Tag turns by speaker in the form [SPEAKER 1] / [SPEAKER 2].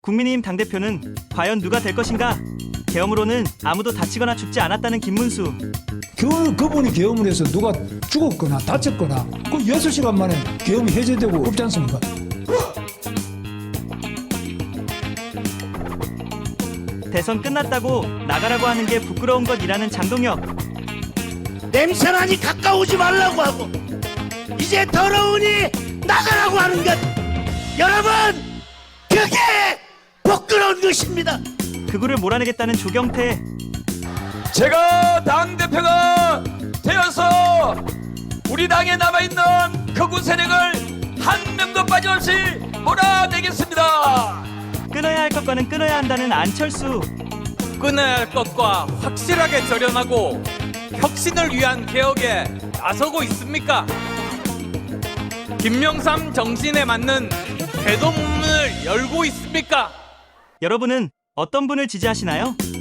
[SPEAKER 1] 국민의힘 당대표는 과연 누가 될 것인가? 계엄으로는 아무도 다치거나 죽지 않았다는 김문수.
[SPEAKER 2] 그분이 계엄을 해서 누가 죽었거나 다쳤거나 그 6시간 만에 계엄이 해제되고 없지 않습니까?
[SPEAKER 1] 대선 끝났다고 나가라고 하는 게 부끄러운 것이라는 장동혁.
[SPEAKER 3] 냄새나니 가까우지 말라고 하고 이제 더러우니 나가라고 하는 것, 여러분, 그게 부끄러운 것입니다.
[SPEAKER 1] 극우를 몰아내겠다는 조경태.
[SPEAKER 4] 제가 당대표가 되어서 우리 당에 남아있는 극우 세력을 한 명도 빠짐없이 몰아내겠습니다.
[SPEAKER 1] 끊어야 할 것과는 끊어야 한다는 안철수.
[SPEAKER 5] 끊어야 할 것과 확실하게 절연하고 혁신을 위한 개혁에 나서고 있습니까? 김명삼 정신에 맞는 대동문을 열고 있습니까?
[SPEAKER 1] 여러분은 어떤 분을 지지하시나요?